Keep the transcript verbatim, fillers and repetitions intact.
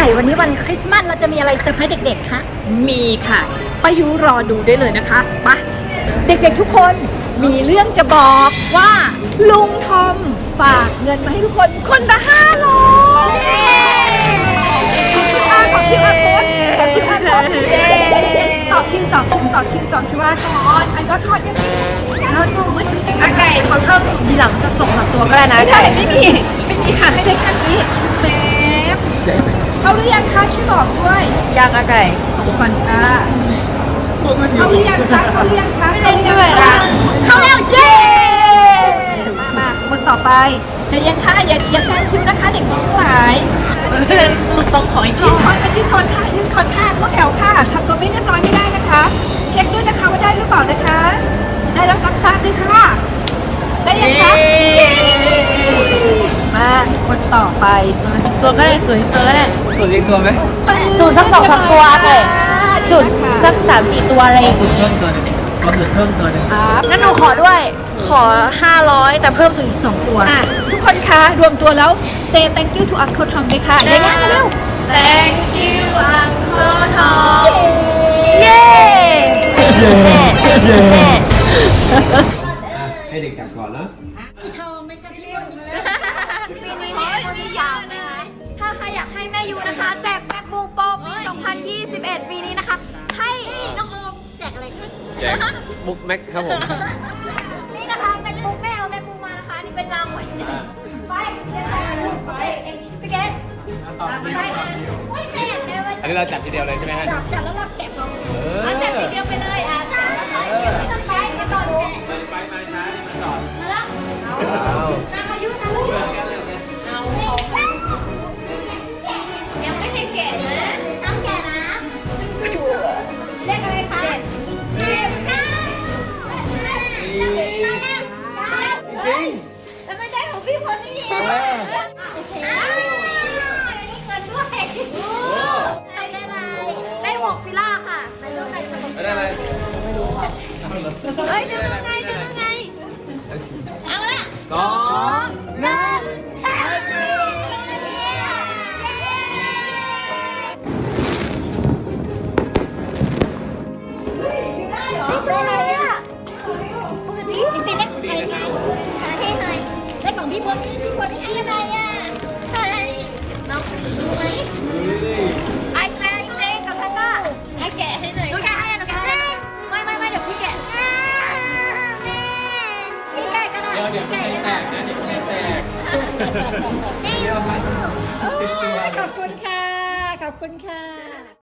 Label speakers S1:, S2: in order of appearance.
S1: ก่วันนี้วันคริสต์มาสเราจะมีอะไรเซอร์ไพรส์เด็กๆคะ
S2: มีค่ะป้ายุรอดูได้เลยนะคะไปเด็กๆทุกคนมีเรื่องจะบอกว่าลุงทอมฝากเงินมาให้ทุกคนคนละห้าร้อยขอคิวอาร์โค้ดขอคิวอาร์โค้ดต่อคิวต่อคิวต่อคิวต่อคิวอาร์โค้ดอันก็ทอดยังไงอาไก่ขอเพิ่มทีหลังสักสองสามตัวก็ได้นะไม่ได้ไม่มีไม่มีค่ะให้ได้แค่นี้แป๊บเอาหรือยังคะช่วยบอกด้วยยังอาไก่ขอบคุณค่ะเขาเรียกคะเขาเรียกคะไม่ได้ด้วยค่ะเขาเรียกเย้มามาคนต่อไปจะยังคะอย่าอย่าแซงคิวนะคะเด็กน้องทั้งหลายต้องขออีกทียืนคอนยืนคอนค่ะยืนคอนค่ะพวกแถวค่ะทำตัวไม่เรียบร้อยไม่ได้นะคะ เช็คด้วยนะคะว่าได้หรือเปล่านะคะได้แล้วรับทราบด้วยค่ะได้ยังคะมาคนต่อไปตัวก็ได้สวยตัวก็ได้
S3: สวยเรียกตัวไหม
S1: สูตรสักสองสามตัวเลยสูตรสักสามสี่ตัวอะไรอย่าง
S3: สูตร
S1: งี้
S3: เพิ่มตัวหนึงก็สูตรเพิ่มตัวหนึง
S1: งั้นหนูขอด้วยขอห้าร้อยแต่เพิ่มสูตรอีกสองตัว
S2: ทุกคนคะรวมตัวแล้ว say thank you to Uncle Tom เลยค่ะได้ยังเร็ว
S1: thank you Uncle Tom
S2: เย้เย้เย้
S3: ให้เด็กจับก่อนแล้ว
S1: ปีนี้แม่ยูที่สามนะคะถ้าใครอยากให้แม่ยูนะคะแจก MacBook Pro ปี สองพันยี่สิบเอ็ด ปีนี้นะคะให้น้องโอมแจกอะไรกัน
S3: แจกบุ๊กแม็กครับผม
S1: นี่นะคะ MacBook แม่เอา MacBook มานะคะนี่เป็นรางวัลไปเรียนไปไปเองพี่เกดไปอุ้ยแม่เดี๋ยว
S3: อันนี้เราจับทีเดียวเลยใช่ไหมฮะ
S1: จับจับแล้วเราเก็บเรา
S2: จับทีเดียวไปเลยอ่ะ
S1: ใช่แล้วใช่เก็บไม่ต้องไปไม่ต้องแกะ
S3: ไปมาช้ามาจอด
S1: มาแล้ว
S3: เอา
S1: นางอายุนะลูก
S2: ยังไม่ให้แกะนะ
S1: น้ำแกะนะเลขอะไรคะเจ็ดเก้าจะเป็นอะไรนะแล้วไม่ได้ของพี่คนนี้โอเคนี่เงินด้วยได้หมวกฟิล่าค่ะไม่รู้ใครจะ
S3: ไม่ได้อะไร
S1: เฮ้ยจะยังไงจะยังไงเอาละ
S3: สอง
S1: หนึ่งแฮปปี้ได้เหรอได้อะไรอ่ะปกติจริงๆได้ใครไงหาให้หน่อยได้ของพี่คนนี้พี่คนนี้ให้อะไรอ่ะใครน้องดูไหมไอ้แม่เจ๊กับแพนด้าให้แกะให้หน่อยหนูแกะให้หนูแกะให้ไม่ไม่ไม่เดี๋ยวพี่แกะแม่พี่แกะก็ได้
S3: เดี๋ยวเดี๋ยวไม่แตกนะเดี๋ยวไม่แตกเดี๋ยวไป
S2: ขอบคุณค่ะ ขอบคุณค่ะ